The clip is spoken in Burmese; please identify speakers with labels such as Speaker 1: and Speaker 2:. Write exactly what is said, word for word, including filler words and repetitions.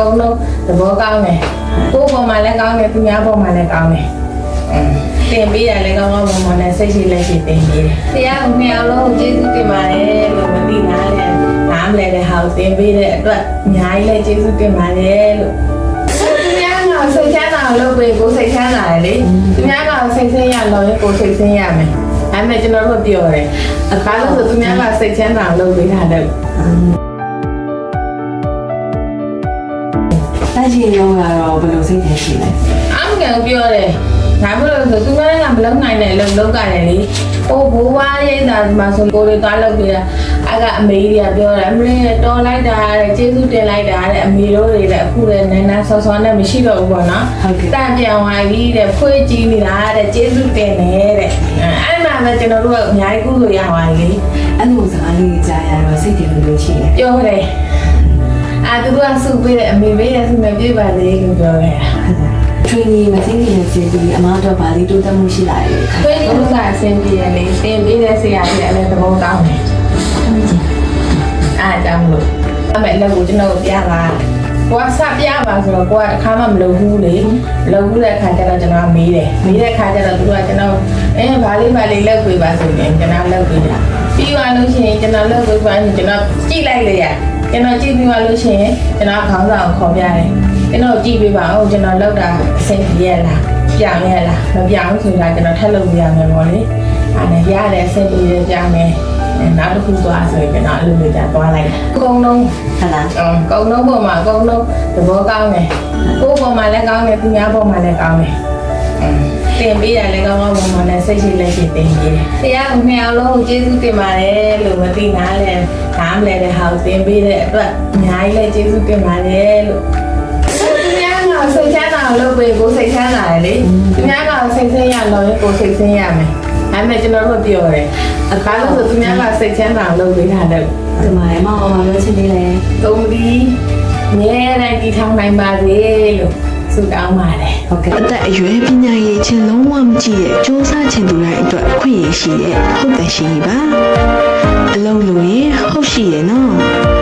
Speaker 1: ကုန်လုံးသဘောကောင်းတယ်ကိုယ်ပေါ်မှာလည်းကောင်းတယ်သူများပေါ်မှာလည်းကောင်းတယ်တင်ပေးရလည်းကောင်းကောင်းမွန်မွန်နဲ့စိတ်ရှိလက်ရှိတင်ပေးတယ်တရားကိုနှစ်အောင်လုံးကျေးဇူးတင်ပါတယ်လို့မသိနာလဲနားမလဲတဲ့ဟာကိုတင်ပေးတဲ့အတွက်အများကြီးလည်းကျေးဇူးတင်ပါတယ်လို့သူများကစိတ်ချမ်းသာလို့ပဲကိုယ်စိတ်ချမ်းသာတယ်လေသူများကစိတ်ဆင်းရလို့ကိုယ်စိတ်ဆင်းရမယ်အဲ့မဲ့ကျွန်တော်တို့ပြောတယ်အခါလို့ဆိုသူများကစိတ်ချမ်းသာလို့ပေးထားတယ်
Speaker 2: တိုက်ချင်ရောကတော့ဘယ်လိုစိတ်ထဲရှိလဲ
Speaker 1: အမှန်ကန်ပြောတယ်ဒါမှမဟုတ်ဆိုသူကလည်းမလုံနိုင်တဲ့လုံလောက်ကြတယ်လေဟိုဘိုးဘွားရိတ်တာမှာဆိုကိုတွေသွားလုပ်ပြတာအကအမေကြီးကပြောတယ်အမေတော်လိုက်တာတဲ့ကျေးဇူးတင်လိုက်တာတဲ့အမေတို့တွေလည်းအခုလည်းနန်းနန်းဆောဆောနဲ့မရှိတော့ဘူးပေါ့နော်တန်ပြန်ဝိုင်းပြီးတဲ့ဖွေးကြည့်နေတာတဲ့ကျေးဇူးတင်နေတဲ့အဲ့မှာပဲကျွန်တော်တို့ကအများကြီးကုသိုလ်ရပါလေ
Speaker 2: အဲ့လိုစကားလေးကြားရတော့စိတ်တွေလိုရှိတယ်
Speaker 1: ပြောတယ်အာသူကစုပေးတယ်အမေပေးတယ်ဆုမပြေပါလေလို့ပြောခဲ့တာ
Speaker 2: ထွေးကြီးမသိနေတဲ့စီဒီအမတော့ဗာလေးတိုးတက်မှုရှိလာတယ်
Speaker 1: ။ထွေးကြီးကအဆင်ပြေတယ်လေ။တင်ပေးတဲ့ဆရာကြီးလည်းလည်းသဘောကောင်းတယ်။အားကြောင့်လို့အမေလည်းကိုကျွန်တော်ပြပါ။ကိုကစပြပါဆိုတော့ကိုကအခါမှမလုပ်ဘူးလေ။လုပ်ဘူးတဲ့အခါကျတော့ကျွန်တော်မေးတယ်။မေးတဲ့အခါကျတော့သူကကျွန်တော်အဲဗာလေးဗာလေးလုပ်ပေးပါဆိုရင်ကျွန်တော်လုပ်ပေးတာ။ပြီးသွားလို့ရှိရင်ကျွန်တော်လုပ်ပေးပါရင်ကျွန်တော်ကြည့်လိုက်လေရ။ကျွန်တော်ကြည့်ပြီးသွားလို့ရှိရင်ကျွန်တော်ခေါင်းဆောင်ခေါ်ပြတယ်။ကျွန်တော်ကြည့်ပေးပါဦးကျွန်တော်လောက်တာအဆင်ပြေရလားပြောင်းရလားမပြောင်းဆိုတာကျွန်တော်ထပ်လုပ်ပြရမယ်ပေါ့လေအဲ့ဒါရတယ်အဆင်ပြေရကြမယ်နောက်တစ်ခုသွားဆိုရင်ကျွန်တော်အလုပ်လုပ်ကြသွားလိုက်အကုန်လုံး
Speaker 2: ဟုတ်လား
Speaker 1: အကုန်လုံးပေါ်မှာအကုန်လုံးသဘောကောင်းတယ်ကိုယ်ပေါ်မှာလည်းကောင်းတယ်သူများပေါ်မှာလည်းကောင်းတယ်တင်ပေးရလည်းကောင်းကောင်းမွန်မွန်နဲ့စိတ်ရှိလက်ရှိတင်ပေးတယ်တရားကိုနှစ်အောင်လုံးကျေးဇူးတင်ပါတယ်လို့မသိနာလဲနားမလဲတဲ့ဟာကိုတင်ပေးတဲ့အတွက်အများကြီးလည်းကျေးဇူးတင်ပါတယ်လို့စိတ်ချမ်းသာလို့ပဲကိုယ်စိတ်ချမ်းသာတယ်လေသူများကစိတ်ဆင်းရလို့ကိုယ်စိတ်ဆင်းရမယ်အဲ့မဲ့ကျွန်တော်တို့ပြောတယ်အခါလို့ဆိုသူများကစိတ်ချမ်းသာလို့ပေးထားတယ်
Speaker 2: ဒီမှာမအောင်မပြောချင်သေးလေ
Speaker 1: သုံးပြီးမြဲတိုင်းတည်ထောင်နိုင်ပါစေလို့ဆုတောင်းပါတယ်
Speaker 2: ဟုတ်ကဲ့
Speaker 3: အသက်အရွယ်ပညာရေးချင်းလုံးဝမကြည့်ရဲ့စူးစမ်းချင်သူတိုင်းအတွက်အခွင့်အရေးရှိရဲ့ဟုတ်တယ်ရှိပါအလုံးလို့ရင်ဟုတ်ရှိရဲ့နော်